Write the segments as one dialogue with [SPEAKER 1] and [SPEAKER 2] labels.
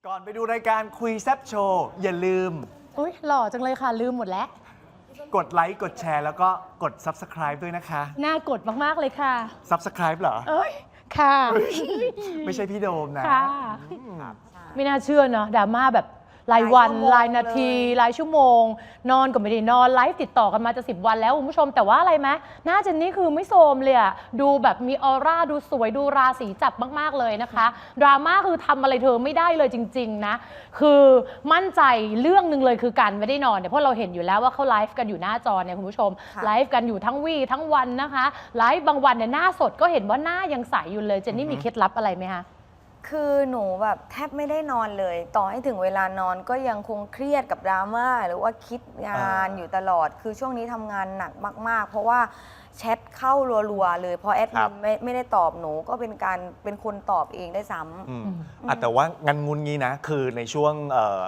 [SPEAKER 1] ก่อนไปดูรายการคุยแซบโชว์อย่าลืม
[SPEAKER 2] อุ้ยหล่อจังเลยค่ะลืมหมดแล้ว
[SPEAKER 1] กดไลค์กดแชร์แล้วก็กด Subscribe ด้วยนะคะ
[SPEAKER 2] น่ากดมากๆเลยค่ะ
[SPEAKER 1] Subscribe เหรอ
[SPEAKER 2] เอ้ยค่ะ
[SPEAKER 1] ไม่ใช่พี่โดมนะ
[SPEAKER 2] ค่ะไม่น่าเชื่อเนาะดราม่าแบบรายวันรายนาทีรายชั่วโมงนอนก็ไม่ได้นอนไลฟ์ติดต่อกันมาจะ10 วันแล้วคุณผู้ชมแต่ว่าอะไรไหมหน้าเจนนี่คือไม่โทรมเลยอะดูแบบมีออร่าดูสวยดูราศีจับมากๆเลยนะคะดราม่าคือทำอะไรเธอไม่ได้เลยจริงๆนะคือมั่นใจเรื่องหนึ่งเลยคือการไม่ได้นอนเนี่ยเพราะเราเห็นอยู่แล้วว่าเขาไลฟ์กันอยู่หน้าจอเนี่ยคุณผู้ชมไลฟ์กันอยู่ทั้งวี่ทั้งวันนะคะไลฟ์บางวันเนี่ยหน้าสดก็เห็นว่าหน้ายังใสอยู่เลยเจนนี่มีเคล็ดลับอะไรไหมคะ
[SPEAKER 3] คือหนูแบบแทบไม่ได้นอนเลยต่อให้ถึงเวลานอนก็ยังคงเครียดกับดราม่าหรือว่าคิดงานอยู่ตลอดคือช่วงนี้ทำงานหนักมากๆเพราะว่าแชทเข้ารัวๆเลยพอแอดมินไม่ได้ตอบหนูก็เป็นคนตอบเองได้ซ้ำ
[SPEAKER 1] แต่ว่างานงุนงี้นะคือในช่วง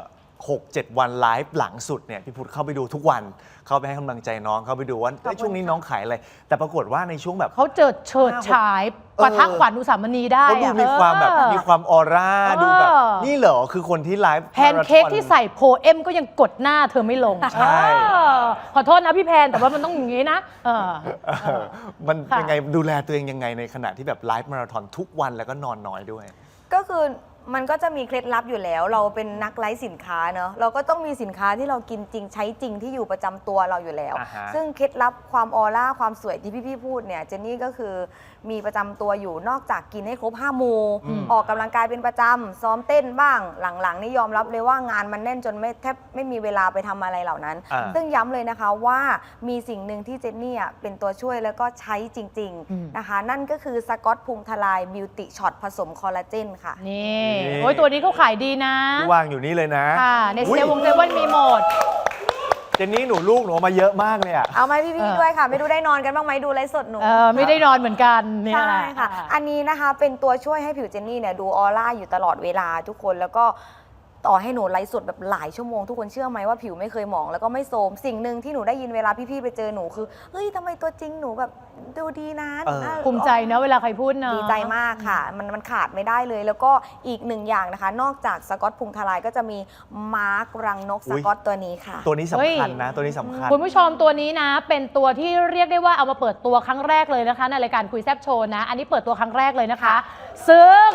[SPEAKER 1] 6-7 วันไลฟ์หลังสุดเนี่ยพี่พุทธเข้าไปดูทุกวันเข้าไปให้กำลังใจน้องเข้าไปดูว่าช่วงนี้น้องขายอะไรแต่ปรากฏว่าในช่วงแบบ
[SPEAKER 2] เขาเฉิดฉายปะทะขวัญอุสามณีได้
[SPEAKER 1] เขาดูมีความแบบมีความออร่าดูแบบนี่เหรอคือคนที่ไลฟ์
[SPEAKER 2] แพนเค้กที่ใส่โพเอมก็ยังกดหน้าเธอไม่ลง
[SPEAKER 1] ใช่
[SPEAKER 2] ขอโทษนะพี่แพนแต่ว่ามันต้องอย่างนี้นะ
[SPEAKER 1] มันยังไงดูแลตัวเองยังไงในขณะที่แบบไลฟ์มาราธอนทุกวันแล้วก็นอนน้อยด้วย
[SPEAKER 3] ก็คือมันก็จะมีเคล็ดลับอยู่แล้วเราเป็นนักไลฟ์สินค้าเนอะเราก็ต้องมีสินค้าที่เรากินจริงใช้จริงที่อยู่ประจำตัวเราอยู่แล้วซึ่งเคล็ดลับความออร่าความสวยที่พี่พูดเนี่ยเจนนี่ก็คือมีประจำตัวอยู่นอกจากกินให้ครบ5 หมู่ออกกำลังกายเป็นประจำซ้อมเต้นบ้างหลังๆนี่ยอมรับเลยว่างานมันแน่นจนแทบไม่มีเวลาไปทำอะไรเหล่านั้นซึ่งย้ำเลยนะคะว่ามีสิ่งหนึ่งที่เจนนี่เป็นตัวช่วยแล้วก็ใช้จริงๆนะคะนั่นก็คือสกอตพุงทลายบิวตี้ช็อตผสมคอลลาเจนค่ะ
[SPEAKER 2] นี่โอ้ยตัวนี้เขาขายดีนะ
[SPEAKER 1] วางอยู่นี่เลยนะ
[SPEAKER 2] ค่ะในเซเว่นมีหมด
[SPEAKER 1] เจนนี่หนูลูกหนูมาเยอะมากเลย
[SPEAKER 3] เอาไหมพี่ด้วยค่ะไม่ดูได้นอนกันบ้างไหมดูไลฟ์สดหนู
[SPEAKER 2] ไม่ได้นอนเหมือนกัน
[SPEAKER 3] ใช่ค่ะอันนี้นะคะเป็นตัวช่วยให้ผิวเจนนี่เนี่ยดูออร่าอยู่ตลอดเวลาทุกคนแล้วก็ต่อให้หนูไลฟ์สดแบบหลายชั่วโมงทุกคนเชื่อไหมว่าผิวไม่เคยหมองแล้วก็ไม่โทรมสิ่งหนึ่งที่หนูได้ยินเวลาพี่ๆไปเจอหนูคือเฮ้ยทำไมตัวจริงหนูแบบดูดีนะ
[SPEAKER 2] ภูมิใจนะเวลาใครพูดนะ
[SPEAKER 3] ดีใจมากค่ะมันขาดไม่ได้เลยแล้วก็อีกหนึ่งอย่างนะคะนอกจากสกอตพุงทลายก็จะมีมาร์กรังนกสกอตตัวนี้ค่ะ
[SPEAKER 1] ตัวนี้สำคัญนะตัวนี้สำคัญ
[SPEAKER 2] คุณผู้ชมตัวนี้นะเป็นตัวที่เรียกได้ว่าเอามาเปิดตัวครั้งแรกเลยนะคะในรายการคุยแซบโชว์นะอันนี้เปิดตัวครั้งแรกเลยนะคะซึ่ง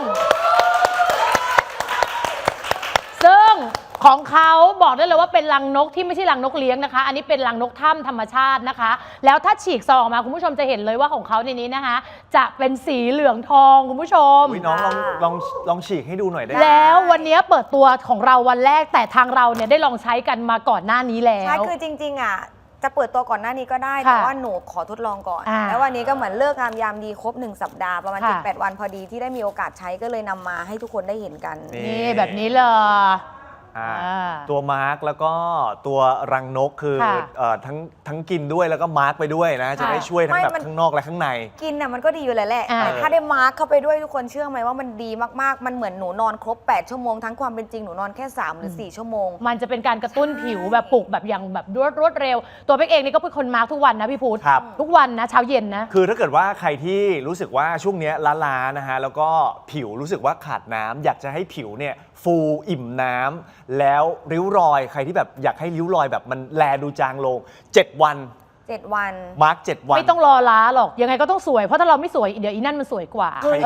[SPEAKER 2] ของเขาบอกได้เลยว่าเป็นรังนกที่ไม่ใช่รังนกเลี้ยงนะคะอันนี้เป็นรังนกถ้ำธรรมชาตินะคะแล้วถ้าฉีกซองออกมาคุณผู้ชมจะเห็นเลยว่าของเขาในนี้นะคะจะเป็นสีเหลืองทองคุณผู้ชม
[SPEAKER 1] น้องลองฉีกให้ดูหน่อยได้
[SPEAKER 2] แล้ววันนี้เปิดตัวของเราวันแรกแต่ทางเราเนี่ยได้ลองใช้กันมาก่อนหน้านี้แล้ว
[SPEAKER 3] ใช่คือจริงๆจะเปิดตัวก่อนหน้านี้ก็ได้แต่ว่าหนูขอทดลองก่อนแล้ววันนี้ก็เหมือนเลิกงามยามดีครบ1 สัปดาห์ประมาณ7-8 วันพอดีที่ได้มีโอกาสใช้ก็เลยนำมาให้ทุกคนได้เห็นกัน
[SPEAKER 2] นี่แบบนี้เลย
[SPEAKER 1] ตัวมาร์กแล้วก็ตัวรังนกคือทั้งกินด้วยแล้วก็มาร์กไปด้วยนะจะได้ช่วยทั้งแบบข้างนอกและข้างใน
[SPEAKER 3] กินน่ะมันก็ดีอยู่แล้วแหละแต่ถ้าได้มาร์กเข้าไปด้วยทุกคนเชื่อไหมว่ามันดีมากๆมันเหมือนหนูนอนครบ8 ชั่วโมงทั้งความเป็นจริงหนูนอนแค่3 หรือ 4 ชั่วโมง
[SPEAKER 2] มันจะเป็นการกระตุ้นผิวแบบปลุกแบบอย่างแบบรวดเร็วตัวเป็กเองนี่ก็เป็นคนมาร์กทุกวันนะพี่พุทธทุกวันนะเช้าเย็นนะ
[SPEAKER 1] คือถ้าเกิดว่าใครที่รู้สึกว่าช่วงนี้ล้าๆนะฮะแล้วก็ผิวรู้สึกว่าขาดน้ำอยากจะให้ผิวเนี่ยฟูอิ่มน้ำแล้วริ้วรอยใครที่แบบอยากให้ริ้วรอยแบบมันแลดูจางลง7 วันมาร์ก7 วัน
[SPEAKER 2] ไม่ต้องรอล้าหรอกยังไงก็ต้องสวยเพราะถ้าเราไม่สวยเดี๋ยวอีนั่นมันสวยกว่า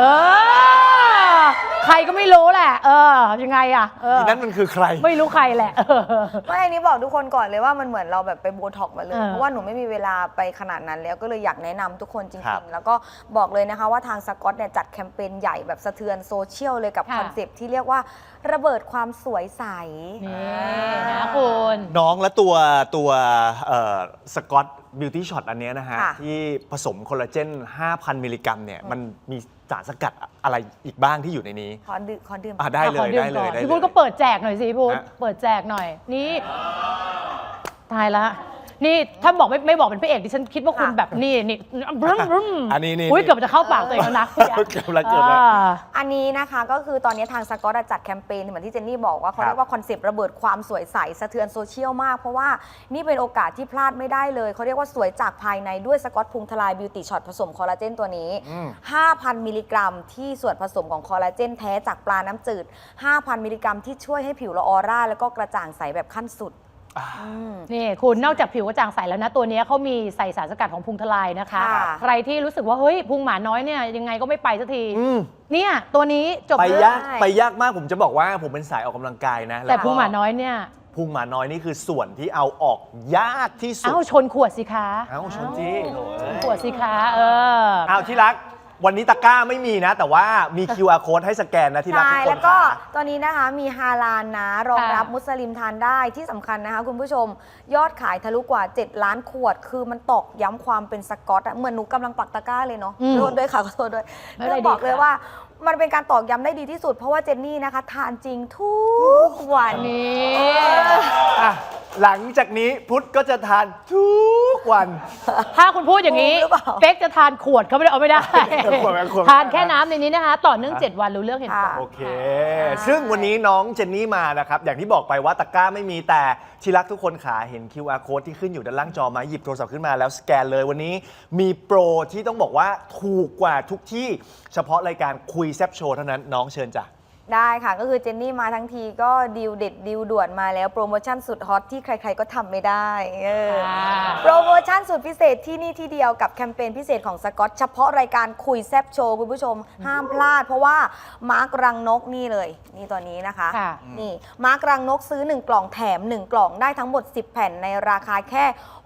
[SPEAKER 2] ใครก็ไม่รู้แหละยังไง
[SPEAKER 1] อีนั่นมันคือใคร
[SPEAKER 2] ไม่รู้ใครแหละ
[SPEAKER 3] ไม่อันนี้บอกทุกคนก่อนเลยว่ามันเหมือนเราแบบไปโบท็อกมาเลยเพราะว่าหนูไม่มีเวลาไปขนาดนั้นแล้วก็เลยอยากแนะนำทุกคนจริงๆแล้วก็บอกเลยนะคะว่าทางสกอตเนี่ยจัดแคมเปญใหญ่แบบสะเทือนโซเชียลเลยกับคอนเซปต์ที่เรียกว่าระเบิดความสวยใส
[SPEAKER 2] นี่นะคุณ
[SPEAKER 1] น้องและตัวสกอตบิวตี้ช็อตอันนี้นะฮะที่ผสมคอลลาเจน 5,000 มิลลิกรัมเนี่ยมันมีสารสกัดอะไรอีกบ้างที่อยู่ในนี้
[SPEAKER 3] ขอดื่ม
[SPEAKER 1] ได้เลย
[SPEAKER 2] พี่พุทธก็เปิดแจกหน่อยสิพุทธเปิดแจกหน่อยนี่ตายละนี่ถ้าบอกไม่บอกเป็นพระเอกดิฉันคิดว่าคุณแบบนี่บรึ้มบรึ้ม
[SPEAKER 1] อันนี้นี่
[SPEAKER 2] อุ้ยเกือบจะเข้าปากตัวเองแล้วนะ
[SPEAKER 1] เกือบแล้ว
[SPEAKER 3] อันนี้นะคะก็คือตอนนี้ทางสกอตจัดแคมเปญเหมือนที่เจนนี่บอกว่าเขาเรียกว่าคอนเซปต์ระเบิดความสวยใสสะเทือนโซเชียลมาก เพราะว่านี่เป็นโอกาสที่พลาดไม่ได้เลยเขาเรียกว่าสวยจากภายในด้วยสกอตพุงทลายบิวตี้ช็อตผสมคอลลาเจนตัวนี้ 5,000 มิลลิกรัมที่ส่วนผสมของคอลลาเจนแท้จากปลาน้ำจืด 5,000 มิลลิกรัมที่ช่วยให้ผิวเราออร่าแล้วก็กระจ่างใสแบบขั้นสุด
[SPEAKER 2] นี่คุณนอกจากผิวกระจ่างใสแล้วนะตัวนี้เขามีใส่สารสกัดของพุงทลายนะคะ
[SPEAKER 3] ค่ะ
[SPEAKER 2] ใครที่รู้สึกว่าเฮ้ยพุงหมาน้อยเนี่ยยังไงก็ไม่ไปสักทีเนี่ยตัวนี้จบ
[SPEAKER 1] ไป
[SPEAKER 2] เลย
[SPEAKER 1] ยากมากผมจะบอกว่าผมเป็นสายออกกำลังกายนะ
[SPEAKER 2] แต่
[SPEAKER 1] ล้วก็
[SPEAKER 2] พุงหมาน้อยเนี่ย
[SPEAKER 1] พุงหมาน้อยนี่คือส่วนที่เอาออกยากที่สุด
[SPEAKER 2] เอ้าชนขวดสิคะ
[SPEAKER 1] เอ้าชนจี้โถ่เอ้ย
[SPEAKER 2] ขวดสิคะ
[SPEAKER 1] อ้าวที่รักวันนี้ตะกร้าไม่มีนะ แต่ว่ามี QR code ให้สแกนนะที่รักทุก
[SPEAKER 3] ใช่
[SPEAKER 1] คน
[SPEAKER 3] แล้วก็
[SPEAKER 1] ค่ะ
[SPEAKER 3] ตัวนี้นะคะมีฮาลาลนะรองรับ
[SPEAKER 2] ค่ะ
[SPEAKER 3] มุสลิมทานได้ที่สำคัญนะคะคุณผู้ชมยอดขายทะลุกว่า 7 ล้านขวด คือมันตอกย้ำความเป็นสกอตอะเหมือนหนูกำลังปักตะกร้าเลยเนาะขอโทษด้วยค่ะขอโทษด้วย
[SPEAKER 2] ไม่เป็นไร
[SPEAKER 3] ต้องบอก
[SPEAKER 2] ดีค่ะ
[SPEAKER 3] เลยว่ามันเป็นการตอกย้ำได้ดีที่สุด เพราะว่าเจนนี่นะคะทานจริงทุกวัน
[SPEAKER 2] นี่
[SPEAKER 1] อ่ะหลังจากนี้พุทธก็จะทานทุกวัน
[SPEAKER 2] ถ้าคุณพูดอย่างนี้
[SPEAKER 3] หรือเปล่า
[SPEAKER 2] เป๊กจะทานขวดเขาไม่ได้เอาไม่ได้
[SPEAKER 1] ขวดไม่ขวด
[SPEAKER 2] ทานแค่น้ำในนี้นะคะ ต่อเนื่อง 7 วันรู้เรื่องเห็นผล
[SPEAKER 3] ค่ะ
[SPEAKER 1] โอเค ซึ่งวันนี้น้องเจนนี่มานะครับ อย่างที่บอกไปว่าตะกร้าไม่มีแต่ที่รักทุกคนขาเห็น QR code ที่ขึ้นอยู่ด้านล่างจอมาหยิบโทรศัพท์ขึ้นมาแล้วสแกนเลยวันนี้มีโปรที่ต้องบอกว่าถูกกว่าทุกที่เฉพาะรายการคุยแซบโชว์เท่านั้นน้องเชิญจ้ะ
[SPEAKER 3] ได้ค่ะก็คือเจนนี่มาทั้งทีก็ดีลเด็ดดีลด่วนมาแล้วโปรโมชั่นสุดฮอตที่ใครๆก็ทำไม่ได้โปรโมชั่นสุดพิเศษที่นี่ที่เดียวกับแคมเปญพิเศษของสกอตเฉพาะรายการคุยแซบโชว์คุณผู้ชมห้ามพลาด เพราะว่ามาร์กรังนกนี่เลยนี่ตัวนี้นะคะ
[SPEAKER 2] ค่ะ
[SPEAKER 3] นี่มาร์กรังนกซื้อ1กล่องแถม1กล่องได้ทั้งหมด10แผ่นในราคาแค่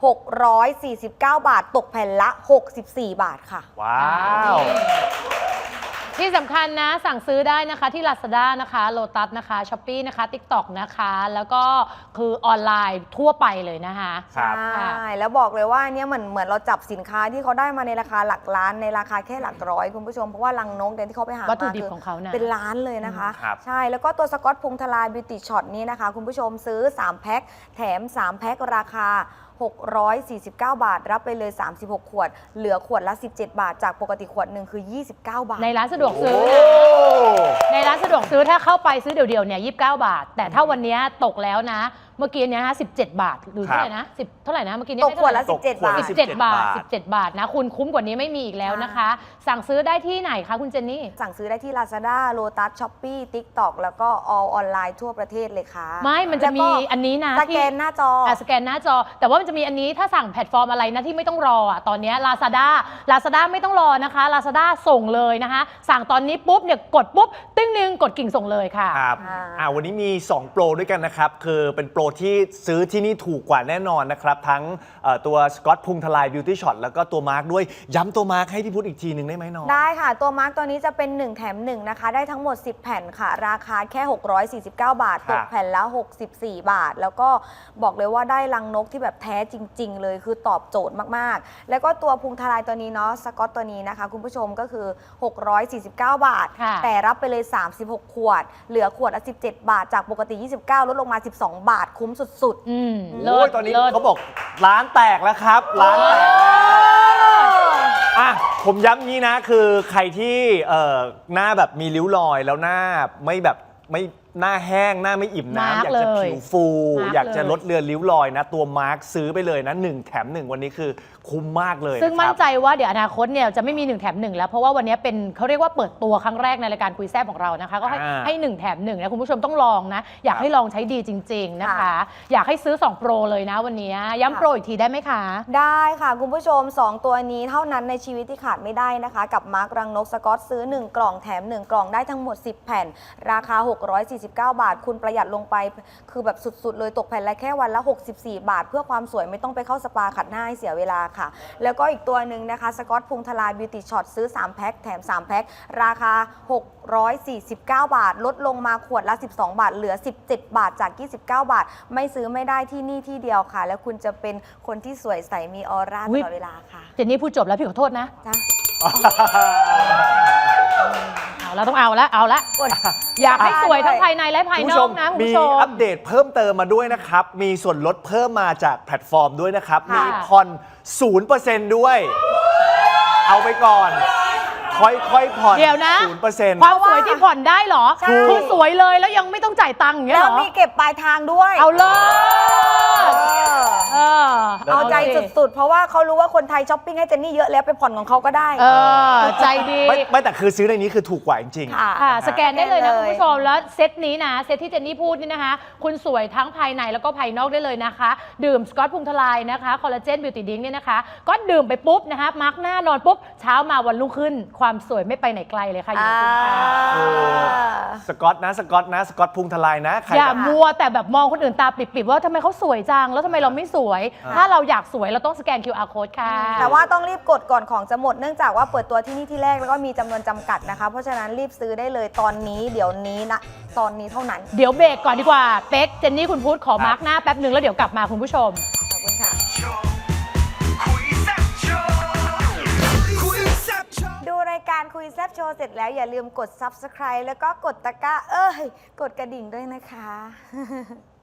[SPEAKER 3] 649 บาทตกแผ่นละ64 บาทค่ะ
[SPEAKER 1] ว้าว
[SPEAKER 2] ที่สำคัญนะสั่งซื้อได้นะคะที่ Lazada นะคะ Lotus นะคะ Shopee นะคะ TikTok นะคะ แล้วก็คือออนไลน์ทั่วไปเลยนะคะ
[SPEAKER 1] ครับ
[SPEAKER 3] ใช่แล้วบอกเลยว่าเนี่ยเหมือนเราจับสินค้าที่เขาได้มาในราคาหลักล้านในราคาแค่หลักร้อยคุณผู้ชมเพราะว่ารังนกเนี่ยที่เขาไปหา
[SPEAKER 2] วัตถุดิบ
[SPEAKER 3] คื
[SPEAKER 2] ของเขานะ
[SPEAKER 3] เป็นล้านเลยนะคะ
[SPEAKER 1] ครับ
[SPEAKER 3] ใช่แล้วก็ตัวสกอตพุงทลายบิวตี้ช็อตนี้นะคะ คุณผู้ชมซื้อ 3 แพ็คแถม 3 แพ็คราคา 649 บาท รับไปเลย 36 ขวด เหลือขวดละ 17 บาท จากปกติขวดหนึ่งคือ 29 บาท
[SPEAKER 2] ในร้านสะดวกซื้อ
[SPEAKER 1] โอ้
[SPEAKER 2] นะในร้านสะดวกซื้อถ้าเข้าไปซื้อเดี่ยวๆเนี่ย29 บาท แต่ถ้าวันนี้ตกแล้วนะ เมื่อกี้เนี่ย17 บาทหรือเท่าไหร่นะ10เท่าไหร่นะเมื่อกี้เนี่ย
[SPEAKER 3] ตกขวดละ
[SPEAKER 1] ตก
[SPEAKER 3] 17 บาท
[SPEAKER 2] 17 บาท 17 บาทนะคุณคุ้มกว่านี้ไม่มีอีกแล้วนะคะ สั่งซื้อได้ที่ไหนคะคุณเจนนี่
[SPEAKER 3] สั่งซื้อได้ที่ Lazada Lotus Shopee TikTok แล้วก็ All ออนไลน์ทั่วประเทศเลยค่ะ
[SPEAKER 2] ไม่มันจะมีอันนี้นะ
[SPEAKER 3] สแกนหน้าจอ
[SPEAKER 2] สแกนหน้าจอ แต่ว่ามันจะมีอันนี้ถ้าสั่งแพลตฟอร์มอะไรนะที่ไม่ต้องรออ่ะตอนเนี้ย Lazada ไม่ต้องรอนะคะ Lazada ส่งเลยนะคะ สั่งตอนนี้ปุ๊บเนี่ยกดปุ๊บติ้งนึงกดกิ่งส่งเลยค่ะ
[SPEAKER 1] ครับวันนี้มี 2 โปรด้วยกันนะครับ คือเป็นโปรที่ซื้อที่นี่ถูกกว่าแน่นอนนะครับ ทั้งตัวสกอตพุงทลายบิวตี้ช็อตแล้วก็ตัวมาร์กด้วย ย้ำตัวมาร์กให้พี่พุทธอีกทีหนึ่งได้ไหมน้อง
[SPEAKER 3] ได้ค่ะ ตัวมาร์กตัวนี้จะเป็น 1 แถม 1 นะคะ ได้ทั้งหมด 10 แผ่นค่ะ ราคาแค่ 649 บาท
[SPEAKER 1] ครั
[SPEAKER 3] ต
[SPEAKER 1] บ
[SPEAKER 3] กแผ่นละ 64 บาท แล้วก็บอกเลยว่าได้รังนกที่แบบแท้จริง ๆ เลยคือตอบโจทย์มากๆ แล้วก็ตัวพุงทลายตัวนี้เนาะสกอตตัวนี้นะคะ คุณผู้ชมก็คือ 649 บาท
[SPEAKER 2] ค่ะ
[SPEAKER 3] แต่รับไปเลย 36 ขวด เหลือขวดละ17 บาท จากปกติ 29 ลดลงมา 12 บาทคุ้มสุดๆ
[SPEAKER 1] โอ้ยตอนนี้เขาบอกร้านแตกแล้วครับร้านแตกแล้วอ่ะผมย้ำงี้นะคือใครที่หน้าแบบมีริ้วรอยแล้วหน้าไม่แบบไม่หน้าแห้งหน้าไม่อิ่ม
[SPEAKER 2] มาร์
[SPEAKER 1] น้ำ
[SPEAKER 2] ค
[SPEAKER 1] อยากจะ
[SPEAKER 2] เลย
[SPEAKER 1] ผิวฟู
[SPEAKER 2] มาร์ค
[SPEAKER 1] อยากจะ
[SPEAKER 2] เลย
[SPEAKER 1] ลดเลือนริ้วรอยนะ ตัวมาร์คซื้อไปเลยนะ1แถม1วันนี้คือคุ้มมากเลย
[SPEAKER 2] ซึ่ง
[SPEAKER 1] นะครับ
[SPEAKER 2] มั่นใจว่าเดี๋ยวอนาคตเนี่ยจะไม่มี1แถม1แล้วเพราะว่าวันนี้เป็นเขาเรียกว่าเปิดตัวครั้งแรกในรายการคุยแซ่บของเรานะคะก็ให้1แถม1นะคุณผู้ชมต้องลองนะอยากให้ลองใช้ดีจริง ๆนะคะ อยากให้ซื้อ2โปรเลยนะวันนี้ย้ำโปรอีกทีได้ไหมคะ
[SPEAKER 3] ได้ค่ะคุณผู้ชม 2 ตัวนี้เท่านั้นในชีวิตที่ขาดไม่ได้นะคะ กับมาร์กรังนกสกอตซื้อ 1 กล่องแถม 1 กล่องได้ทั้งหมด 10 แผ่น ราคา 649 บาท คุณประหยัดลงไปคือแบบสุดๆ เลยตกแผ่นละแค่วันละ 64 บาท เพื่อความสวยไม่ต้องไปเข้าสปาขัดหน้าให้เสียเวลาค่ะ แล้วก็อีกตัวหนึ่งนะคะสกอตพุงทลายบิวตี้ช็อตซื้อ 3 แพ็คแถม 3 แพ็คราคา 649 บาท ลดลงมาขวดละ 12 บาท เหลือ 17 บาทจาก 29 บาท ไม่ซื้อไม่ได้ที่นี่ที่เดียวค่ะ แล้วคุณจะเป็นคนที่สวยใสมีออร่าตลอดเวลาค่ะ
[SPEAKER 2] เจนนี่พูดจบแล้วพี่ขอโทษนะ
[SPEAKER 3] จ้ะ
[SPEAKER 2] เอาเราต้องเอาละ อยากให้สวยทั้งภายในและภายนอกนะคุณ
[SPEAKER 1] มี
[SPEAKER 2] ผู้ชม
[SPEAKER 1] อัปเดตเพิ่มเติมมาด้วยนะครับ มีส่วนลดเพิ่มมาจากแพลตฟอร์มด้วยนะครับ
[SPEAKER 2] ค่ะ
[SPEAKER 1] มีผ่อน 0% ด้วย เอาไปก่อน ค่อยๆผ่อน
[SPEAKER 2] เดี๋ยวนะ
[SPEAKER 1] 0%
[SPEAKER 2] ความสวยที่ผ่อนได้เหรอ
[SPEAKER 3] ใช่
[SPEAKER 2] คือสวยเลยแล้วยังไม่ต้องจ่ายตังค์อย่างเงี้ย
[SPEAKER 3] แล้
[SPEAKER 2] เห
[SPEAKER 3] ว
[SPEAKER 2] รอ
[SPEAKER 3] มีเก็บปลายทางด้วย
[SPEAKER 2] เอาเลย
[SPEAKER 3] เออ เอาใจ
[SPEAKER 2] สิ
[SPEAKER 3] สุดๆ เพราะว่าเขารู้ว่าคนไทยช้อปปิ้งให้เจนนี่เยอะแล้วไปผ่อนของเขาก็ได้
[SPEAKER 2] ใจดี
[SPEAKER 1] ไม่แต่คือซื้อในนี้คือถูกกว่าจริงๆ
[SPEAKER 3] ค่ะ
[SPEAKER 2] ค่ะ สแกนได้เลยนะ
[SPEAKER 3] สแกนเลย
[SPEAKER 2] คุณผู้ชมแล้วเซตนี้นะเซตที่เจนนี่พูดนี่นะคะ คุณสวยทั้งภายในแล้วก็ภายนอกได้เลยนะคะ ดื่มสกอตพุงทลายนะคะคอลลาเจนบิวตี้ดิ้งเนี่ยนะคะ ก็ดื่มไปปุ๊บนะคะมาร์กหน้านอนปุ๊บเช้ามาวันรุ่งขึ้น ความสวยไม่ไปไหนไกลเลยค่ะอยู่ในคุณค่ะ
[SPEAKER 1] สกอตพุงทลายนะใคร
[SPEAKER 2] อย่า
[SPEAKER 1] แบบ
[SPEAKER 2] มัวแต่แบบมองคนอื่นตาปิบๆว่าทำไมเขาสวยจังแล้วทำไมเราไม่สวย ถ้าเราอยากสวยเราต้องสแกน QR code ค่ะ
[SPEAKER 3] แต่ว่าต้องรีบกดก่อนของจะหมดเนื่องจากว่าเปิดตัวที่นี่ที่แรกแล้วก็มีจำนวนจำกัดนะคะ เพราะฉะนั้นรีบซื้อได้เลยตอนนี้เดี๋ยวนี้นะตอนนี้เท่านั้น
[SPEAKER 2] เดี๋ยวเบรกก่อนดีกว่าเป๊กเจนนี่คุณพูดขอมาร์กหน้าแป๊บหนึ่งแล้วเดี๋ยวกลับมาคุณผู้ชม
[SPEAKER 3] ขอบคุณค่ะ ดูรายการคุยแซบโชว์เสร็จแล้วอย่าลืมกด Subscribe แล้วก็กดตะกร้ากดกระดิ่งด้วยนะคะ